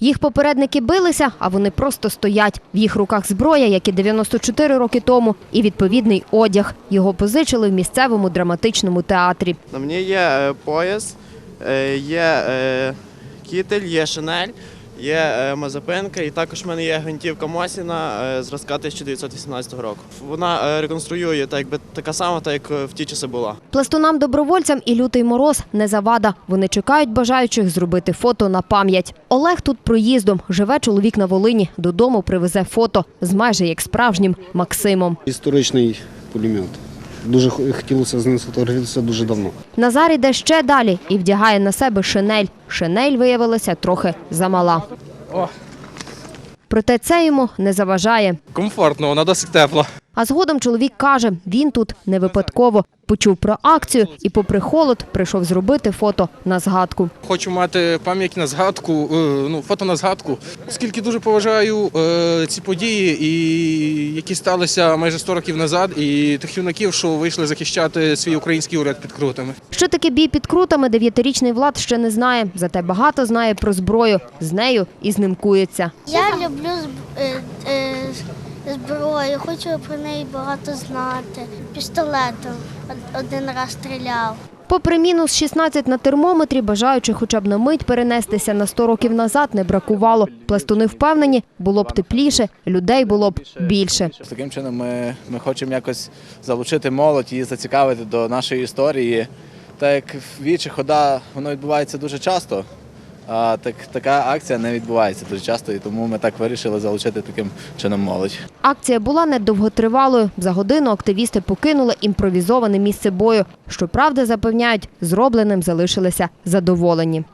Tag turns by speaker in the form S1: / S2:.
S1: Їх попередники билися, а вони просто стоять. В їх руках зброя, як і 94 роки тому, і відповідний одяг. Його позичили в місцевому драматичному театрі.
S2: На мені є пояс, є кітель, є шинель, є мазепинка і також в мене є гвинтівка Мосіна зразка 1918 року. Вона реконструює така сама, так як в ті часи була.
S1: Пластунам-добровольцям і лютий мороз не завада. Вони чекають бажаючих зробити фото на пам'ять. Олег тут проїздом. Живе чоловік на Волині. Додому привезе фото з майже як справжнім Максимом.
S3: Історичний пулемет. Дуже хотілося з ним сфотографуватися дуже давно.
S1: Назар іде ще далі і вдягає на себе шинель. Шинель виявилася трохи замала. Проте це йому не заважає.
S4: Комфортно, вона досить тепла.
S1: А згодом чоловік каже, він тут не випадково. Почув про акцію і попри холод прийшов зробити фото на згадку.
S4: Хочу мати пам'ять на згадку, фото на згадку, оскільки дуже поважаю ці події, які сталися майже 100 років назад, і тих юнаків, що вийшли захищати свій український уряд під Крутами.
S1: Що таке бій під Крутами, 9-річний Влад ще не знає, зате багато знає про зброю. З нею і знімкується.
S5: Я люблю зброю, хочу про неї багато знати. Пістолетом один раз стріляв.
S1: Попри мінус 16 на термометрі, бажаючих хоча б на мить перенестися на 100 років назад не бракувало. Пластуни впевнені, було б тепліше, людей було б більше.
S6: Таким чином ми хочемо якось залучити молодь, її зацікавити до нашої історії. Так як вічі хода, воно відбувається дуже часто, а така акція не відбувається дуже часто, і тому ми так вирішили залучити таким чином молодь.
S1: Акція була недовготривалою. За годину активісти покинули імпровізоване місце бою. Щоправда, запевняють, зробленим залишилися задоволені.